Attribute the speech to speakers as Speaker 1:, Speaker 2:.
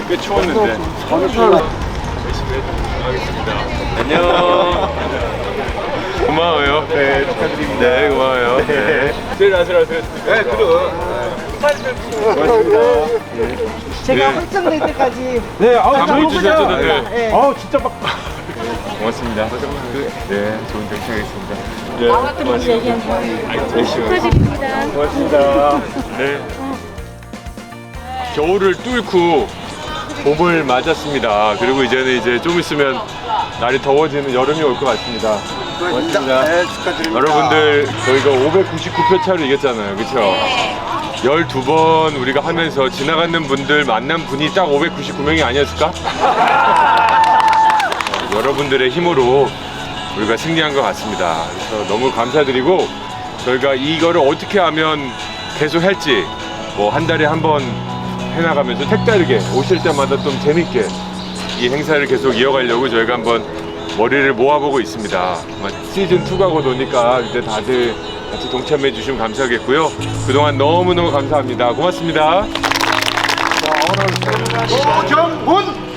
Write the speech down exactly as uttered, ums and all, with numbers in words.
Speaker 1: 꽤 추웠는데 열심히 하겠습니다. 안녕. 고마워요. 네, 축하드립니다. 네, 고마워요. 네. 제일 아슬아슬. 네, 그럼. 고맙습니다.
Speaker 2: 제가
Speaker 1: 네.
Speaker 2: 확정될 때까지
Speaker 3: 네, 아우,
Speaker 1: 감을 주셨잖아요.
Speaker 2: 네.
Speaker 3: 아우, 진짜 막.
Speaker 1: 고맙습니다. 네, 좋은 정치 하겠습니다. 네,
Speaker 4: 같은 분들 얘기한 거
Speaker 1: 열심히
Speaker 4: 축하드립니다.
Speaker 1: 고맙습니다. 네. 겨울을 뚫고 봄을 맞았습니다. 그리고 이제는 이제 좀 있으면 날이 더워지는 여름이 올 것 같습니다. 고맙습니다.
Speaker 3: 네, 축하드립니다.
Speaker 1: 여러분들 저희가 오백구십구 표 차로 이겼잖아요. 그렇죠? 열두 번 우리가 하면서 지나가는 분들 만난 분이 딱 오백구십구 명이 아니었을까? 어, 여러분들의 힘으로 우리가 승리한 것 같습니다. 그래서 너무 감사드리고 저희가 이거를 어떻게 하면 계속 할지 뭐 한 달에 한 번 해나가면서 색다르게 오실 때마다 좀 재밌게 이 행사를 계속 이어가려고 저희가 한번 머리를 모아보고 있습니다. 시즌 투가 곧 오니까 이제 다들 같이 동참해 주시면 감사하겠고요. 그동안 너무너무 감사합니다. 고맙습니다.
Speaker 3: 노정훈!